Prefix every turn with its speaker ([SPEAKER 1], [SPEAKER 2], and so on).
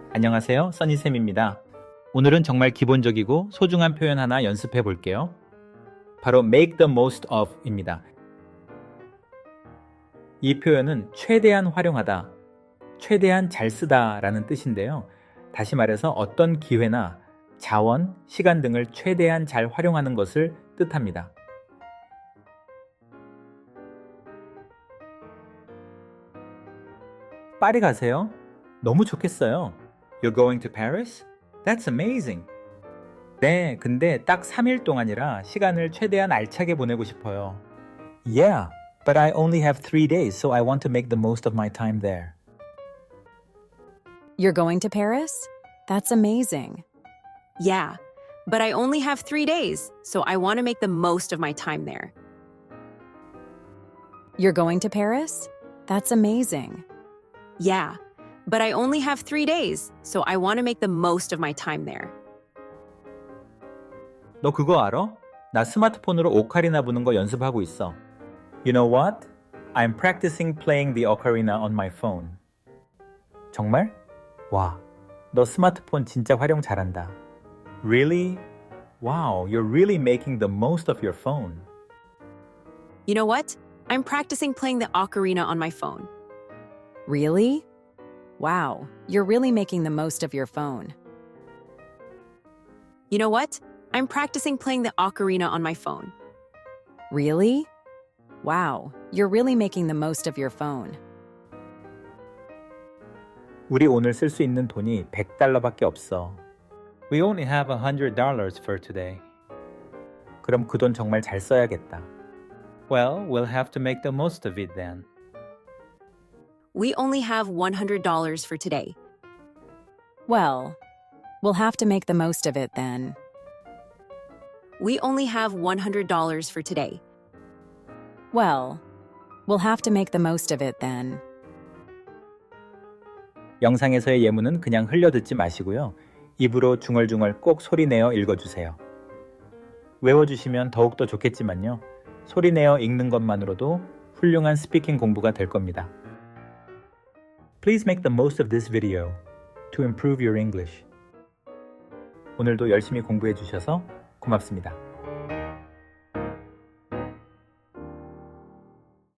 [SPEAKER 1] 안녕하세요, 써니쌤입니다. 오늘은 정말 기본적이고 소중한 표현 하나 연습해 볼게요. 바로 make the most of 입니다. 이 표현은 최대한 활용하다, 최대한 잘 쓰다 라는 뜻인데요. 다시 말해서 어떤 기회나 자원, 시간 등을 최대한 잘 활용하는 것을 뜻합니다. 파리 가세요? 너무 좋겠어요. You're going to Paris? That's amazing. 네, 근데 딱 3일 동안이라 시간을 최대한 알차게 보내고 싶어요. Yeah, but I only have 3 days, so I want to make the most of my time there.
[SPEAKER 2] You're going to Paris? That's amazing.
[SPEAKER 3] Yeah, but I only have 3 days, so I want to make the most of my time there.
[SPEAKER 2] You're going to Paris? That's amazing.
[SPEAKER 3] Yeah, but I only have 3 days, so I want to make the most of my time there.
[SPEAKER 1] 너 그거 알아? 나 스마트폰으로 오카리나 부는 거 연습하고 있어. You know what? I'm practicing playing the ocarina on my phone. 정말? 와, 너 스마트폰 진짜 활용 잘한다. Really? Wow, you're really making the most of your phone.
[SPEAKER 3] You know what? I'm practicing playing the ocarina on my phone.
[SPEAKER 2] Really? Wow, you're really making the most of your phone.
[SPEAKER 3] You know what? I'm practicing playing the ocarina on my phone.
[SPEAKER 2] Really? Wow, you're really making the most of your phone.
[SPEAKER 1] 우리 오늘 쓸 수 있는 돈이 $100밖에 없어. We only have $100 for today. 그럼 그 돈 정말 잘 써야겠다. Well, we'll have to make the most of it then.
[SPEAKER 3] We only have $100 for today.
[SPEAKER 2] Well, we'll have to make the most of it then.
[SPEAKER 3] We only have $100 for today.
[SPEAKER 2] Well, we'll have to make the most of it then.
[SPEAKER 1] 영상에서의 예문은 그냥 흘려듣지 마시고요. 입으로 중얼중얼 꼭 소리내어 읽어주세요. 외워주시면 더욱더 좋겠지만요. 소리내어 읽는 것만으로도 훌륭한 스피킹 공부가 될 겁니다. Please make the most of this video to improve your English. 오늘도 열심히 공부해 주셔서 고맙습니다.